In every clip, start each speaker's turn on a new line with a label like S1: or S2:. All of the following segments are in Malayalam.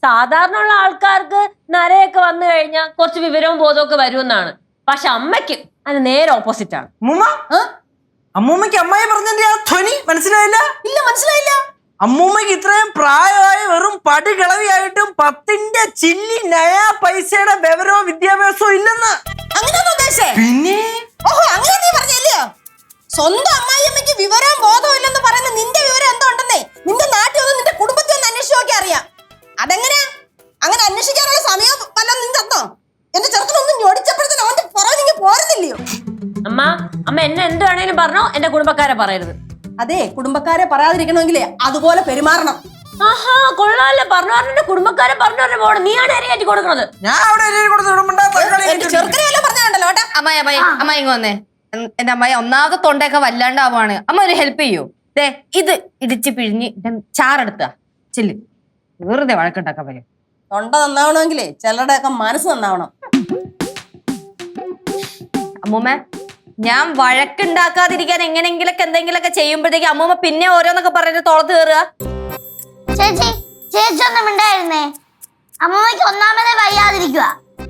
S1: സാധാരണ ഉള്ള ആൾക്കാർക്ക് നരയൊക്കെ വന്നു കഴിഞ്ഞാൽ കുറച്ച് വിവരവും ബോധവും ഒക്കെ വരുമെന്നാണ്. പക്ഷെ അമ്മയ്ക്ക് അത് നേരെ ഓപ്പോസിറ്റ് ആണ്.
S2: അമ്മൂമ്മക്ക് അമ്മായി പറഞ്ഞതിന്റെ ആ ധ്വനി മനസ്സിലായില്ല?
S3: ഇല്ല, മനസ്സിലായില്ല.
S2: അമ്മൂമ്മക്ക് ഇത്രയും പ്രായമായി വെറും പടി കിളവിയായിട്ടും 10ന്റെ ചില്ലി നയാ പൈസയുടെ വിവരവും വിദ്യാഭ്യാസവും ഇല്ലെന്ന്.
S3: അങ്ങനെയാണോ ഉദ്ദേശിച്ചേ?
S2: പിന്നെ
S3: ഓഹോ, അങ്ങനെ നീ പറഞ്ഞല്ലോ. സ്വന്തം അമ്മായിയമ്മയ്ക്ക് വിവരവും ബോധവും ഇല്ലെന്ന് പറയുന്ന നിന്റെ വിവരം എന്തോ ഉണ്ടെന്നേ നിന്റെ നാട്ടിൽ ഒന്ന് നിന്റെ കുടുംബത്തിൽ ഒന്ന് അന്വേഷിച്ച് നോക്കി അറിയാം. അതെങ്ങനെയാ? അങ്ങനെ അന്വേഷിക്കാനുള്ള സമയം വല്ലതും നീ തന്നോ? എന്റെ ചെറുക്കനൊന്നും ഞൊടിച്ചപ്പോഴത്തേനും അവന്റെ പുറകെ നീ പോരുന്നില്ലയോ?
S1: അമ്മ എന്നെ എന്ത് വേണേലും പറഞ്ഞോ, എന്റെ കുടുംബക്കാരെ പറയരുത്.
S3: അതെ, കുടുംബക്കാരെ പറയാതിരിക്കണമെങ്കിലേ അതുപോലെ പെരുമാറണം.
S1: ആഹാ, കൊള്ളാല്ലേ. പറഞ്ഞ കുടുംബക്കാരെ പറഞ്ഞു പോകണം. നീയാണ് എരിയാറ്റി കൊടുക്കുന്നത്.
S2: ഞാൻ അവിടെ
S3: ചെറുക്കനെ വല്ലതും പറഞ്ഞാണ്ടല്ലോ കേട്ടാ.
S4: അമ്മ ഇങ്ങ് വന്നേ. എന്റെ അമ്മായി ഒന്നാമത്തെ തൊണ്ടയൊക്കെ വല്ലാണ്ടാവാണ്. അമ്മ ഒരു ഹെൽപ്പ് ചെയ്യൂ. ദേ ഇത് ഇടിച്ച് പിഴിഞ്ഞ് ചാറെടുത്ത ചെല്ല്. വെറുതെ വഴക്കുണ്ടാക്കാൻ വരും.
S3: തൊണ്ട നന്നാവണമെങ്കിലേ ചിലരുടെ ഒക്കെ മനസ്സ് നന്നാവണം.
S4: അമ്മൂമ്മ, ഞാൻ വഴക്കുണ്ടാക്കാതിരിക്കാൻ എങ്ങനെങ്കിലൊക്കെ എന്തെങ്കിലുമൊക്കെ ചെയ്യുമ്പോഴത്തേക്ക് അമ്മൂമ്മ പിന്നെ ഓരോന്നൊക്കെ പറഞ്ഞിട്ട് തോളത്ത് കയറുക.
S5: ചേച്ചി ഒന്നും ഉണ്ടായിരുന്നേ. അമ്മൂമ്മയ്ക്ക് ഒന്നാമതേ വയ്യാതിരിക്കുക.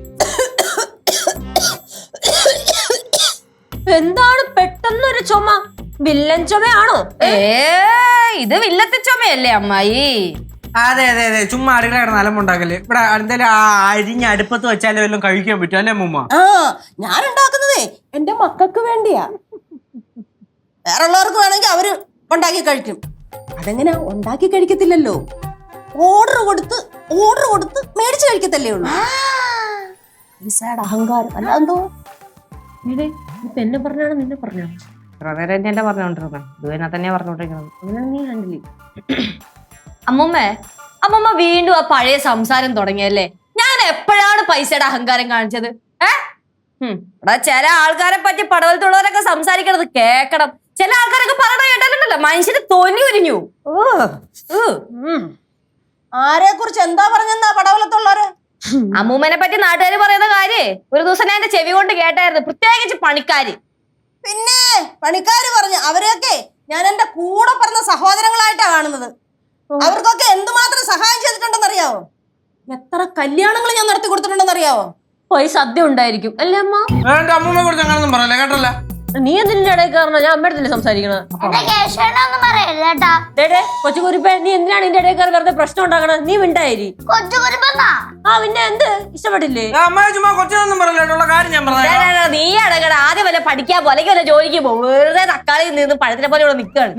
S1: എന്താണ് പെട്ടെന്നൊരു ചുമ? വില്ലൻ ചുമയാണോ?
S4: ഇത് വില്ലത്തെ ചുമയല്ലേ അമ്മായി?
S2: അതെ അതെ അതെ, ചുമ്മാ അടുക്കള കിടന്ന് അലമ്പുണ്ടാക്കല്. ഇവിടെ എന്തായാലും ആ അരിഞ്ഞ അടുപ്പത്ത് വെച്ചാലും വല്ലതും കഴിക്കാൻ പറ്റും അല്ലേ അമ്മൂമ്മ?
S3: ഞാൻ ഉണ്ടാക്കുന്നതേ എന്റെ മക്കൾക്ക് വേണ്ടിയാ. വേറെ ഉള്ളവർക്ക് വേണമെങ്കിൽ അവര് ഉണ്ടാക്കി കഴിക്കും. അതെങ്ങനെ ഉണ്ടാക്കി കഴിക്കത്തില്ലല്ലോ, ഓർഡർ കൊടുത്ത് മേടിച്ച് കഴിക്കത്തല്ലേ ഉള്ളൂ. അഹങ്കാരം അല്ല എന്തോ.
S1: എന്നെ പറഞ്ഞാണ് നിന്നെ പറഞ്ഞാണ്.
S4: ഇത്ര നേരം എന്നെ പറഞ്ഞോണ്ടിരുന്നത് ഇതുവരെ തന്നെയാ പറഞ്ഞോണ്ടിരിക്കുന്നത്.
S1: അങ്ങനെ നീ കണ്ടില്ലേ?
S4: അമ്മമ്മ വീണ്ടും ആ പഴയ സംസാരം തുടങ്ങിയല്ലേ. ഞാൻ എപ്പോഴാണ് പൈസയുടെ അഹങ്കാരം കാണിച്ചത്? ഇവിടെ ചില ആൾക്കാരെ പറ്റി പടവലത്തുള്ളവരൊക്കെ സംസാരിക്കണത് കേക്കണം. ചില ആൾക്കാരൊക്കെ പറയണ കേട്ടാലുണ്ടല്ലോ മനുഷ്യന് തൊലി ഉരിഞ്ഞു.
S3: ആരെ കുറിച്ച് എന്താ പറഞ്ഞെന്നാ പടവലത്തുള്ളവര്?
S4: അമ്മൂമ്മനെ പറ്റി നാട്ടുകാർ പറയുന്ന കാര്യേ ഒരു ദിവസം ഞാൻ എന്റെ ചെവി കൊണ്ട് കേട്ടായിരുന്നു. പ്രത്യേകിച്ച് പണിക്കാര്.
S3: പിന്നെ പണിക്കാര് പറഞ്ഞു അവരെയൊക്കെ ഞാൻ എന്റെ കൂടെ പറഞ്ഞ സഹോദരങ്ങളായിട്ടാ കാണുന്നത്. അവർക്കൊക്കെ എന്തുമാത്രം സഹായം ചെയ്തിട്ടുണ്ടെന്നറിയാവോ? എത്ര കല്യാണങ്ങൾ ഞാൻ നടത്തി കൊടുത്തിട്ടുണ്ടെന്നറിയാവോ?
S1: പോയി സദ്യ ഉണ്ടായിരിക്കും അല്ലേ അമ്മ?
S2: അമ്മൂമ്മയെ കുറിച്ച് അങ്ങനൊന്നും പറയല്ലേ കേട്ടല്ല.
S1: നീ എന്തിന്റെ ഇടയിൽ കയറണ? ഞാൻ അമ്മയുടെ സംസാരിക്കണത്. കൊച്ചുകുരിപ്പേ, നീ എന്തിനാണ് ഇതിന്റെ ഇടയിൽ കയറി വെറുതെ പ്രശ്നം ഉണ്ടാക്കണത്? നീ മിണ്ടായിരി. പിന്നെ എന്ത് ഇഷ്ടപ്പെട്ടില്ലേ?
S2: കൊച്ചൊന്നും പറയല്ലോ കാര്യം ഞാൻ പറഞ്ഞു.
S4: നീ അടങ്ങട. ആദ്യം വല്ല പഠിക്കാൻ പോലെ അല്ലെങ്കിൽ വല്ല ജോലിക്ക് പോകും. വെറുതെ തക്കാളി നിന്ന് പഴത്തിനെ പോലെ ഇവിടെ നിൽക്കുകയാണ്.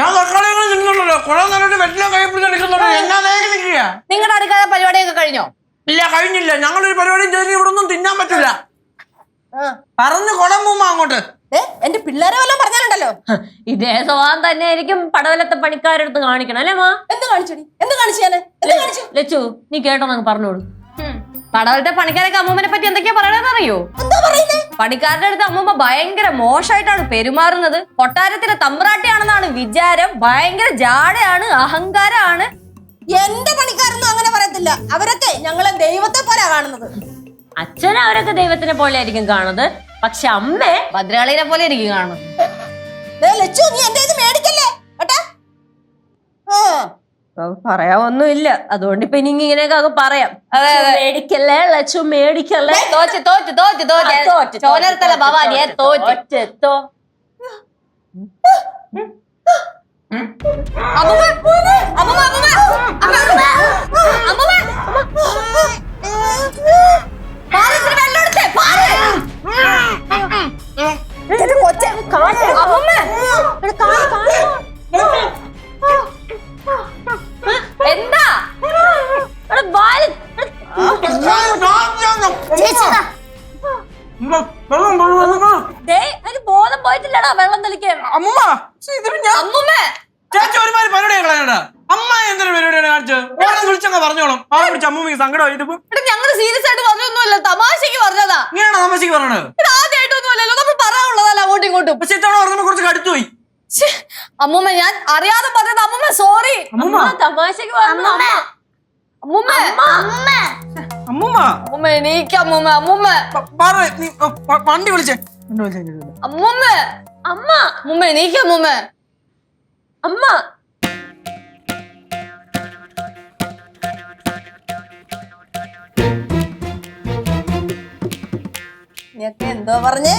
S4: നിങ്ങളുടെ അടുക്കള പരിപാടിയൊക്കെ കഴിഞ്ഞോ?
S2: ഇല്ല, കഴിഞ്ഞില്ല. ഞങ്ങളൊരു പരിപാടിയും ചെയ്ത് ഇവിടെ ഒന്നും തിന്നാൻ പറ്റില്ല. പറഞ്ഞു കൊടമ്പൂമ്മ അങ്ങോട്ട്.
S3: എന്റെ പിള്ളേരെ വല്ലതും പറഞ്ഞാലുണ്ടല്ലോ.
S1: ഇതേ സ്വഭാവം തന്നെ ആയിരിക്കും പടവലത്തെ പണിക്കാരെടുത്ത് കാണിക്കണം അല്ലേ മാ?
S3: എന്ത് കാണിച്ചടി? എന്ത് കാണിച്ചു?
S1: ലച്ചു, നീ കേട്ടോ നമുക്ക് പറഞ്ഞോളൂ.
S4: പടവലത്തെ പണിക്കാരൊക്കെ അമ്മൂമ്മനെ പറ്റി എന്തൊക്കെയാ പറയണെന്ന് അറിയോ? പണിക്കാരുടെ അടുത്ത് അമ്മൂമ്മ ഭയങ്കര മോശമായിട്ടാണ് പെരുമാറുന്നത്. കൊട്ടാരത്തിലെ തമ്പ്രാട്ടിയാണെന്നാണ് വിചാരം. ഭയങ്കര ജാടയാണ്, അഹങ്കാരാണ്.
S3: എന്റെ പണിക്കാരൊന്നും അങ്ങനെ പറയത്തില്ല. അവരൊക്കെ ഞങ്ങളെ ദൈവത്തെ പോലെ കാണുന്നത്.
S1: അച്ഛൻ അവരൊക്കെ ദൈവത്തിനെ പോലെ ആയിരിക്കും കാണുന്നത്. പക്ഷെ അമ്മേ
S4: ഭദ്രകാളിനെ പോലെ എനിക്ക് കാണുന്നത്.
S3: ലച്ചു, നീ എന്റെ ഇത് മേടിക്കല്ലേ കേട്ടാ.
S1: പറയാവൊന്നുമില്ല. അതുകൊണ്ട് ഇപ്പൊ ഇനി ഇങ്ങനെയൊക്കെ പറയാം. മേടിക്കല്ലേ ലച്ചു, മേടിക്കല്ലേ.
S4: ചോനർത്തല ഭവാനിയെ തോറ്റോ. എന്താ
S1: ബോധം പോയിട്ടില്ലടാ വെള്ളം തെളിക്കാൻ.
S2: ചേച്ചി ഒരുമാതിരി പരിപാടിയാണ് കളയണ്ട. അമ്മ എന്തൊരു പരിപാടിയാണ് കാണിച്ചത്? വിളിച്ചങ്ങ് പറഞ്ഞോളും. ആ വിളിച്ച അമ്മൂമ്മക്ക് സങ്കടമായിട്ട്
S4: ഞങ്ങള് സീരിയസ് ആയിട്ട് പറഞ്ഞൊന്നുമല്ല, തമാശക്ക് പറഞ്ഞതാ.
S2: ഇങ്ങനെയാണോ തമാശക്ക് പറഞ്ഞത്?
S4: ആദ്യമായിട്ടൊന്നുമല്ലല്ലോ, നമ്മൾ പറയാനുള്ളതല്ല അങ്ങോട്ടും ഇങ്ങോട്ടും.
S2: പക്ഷെ ഇത്തവണ പറഞ്ഞപ്പോ കുറച്ച് കടുത്തുപോയി.
S4: അമ്മൂമ്മ ഞാൻ അറിയാതെ പറഞ്ഞത്. അമ്മൂമ്മ സോറി.
S1: തമാശക്ക് പറഞ്ഞു.
S4: അമ്മൂമ്മ എനിക്ക് അമ്മൂമ്മ
S2: വണ്ടി വിളിച്ചേ.
S4: അമ്മൂമ്മ എനിക്ക്
S1: അമ്മ
S3: നീയൊക്കെ എന്തോ പറഞ്ഞേ?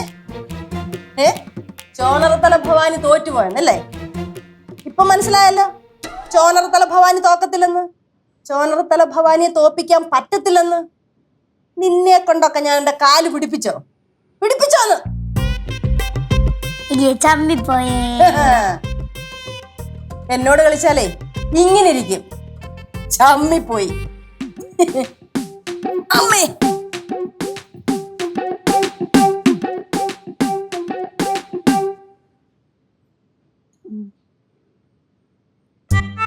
S3: ചോണറത്തല ഭവാനി തോറ്റുപോയെന്നല്ലേ? ഇപ്പൊ മനസ്സിലായല്ലോ ചോണറത്തല ഭവാനി തോക്കത്തില്ലെന്ന്, ചോണറത്തല ഭവാനിയെ തോപ്പിക്കാൻ പറ്റത്തില്ലെന്ന്. നിന്നെ കൊണ്ടൊക്കെ ഞാൻ എന്റെ കാല് പിടിപ്പിച്ചോന്ന്
S5: ചമ്മിപ്പോയേ.
S3: എന്നോട് കളിച്ചാലേ ഇങ്ങനെ ഇരിക്കും, ചമ്മിപ്പോയി. അമ്മേ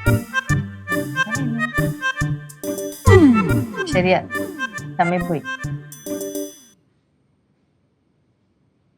S4: ശരിയാ, തമ്മിപ്പോയി.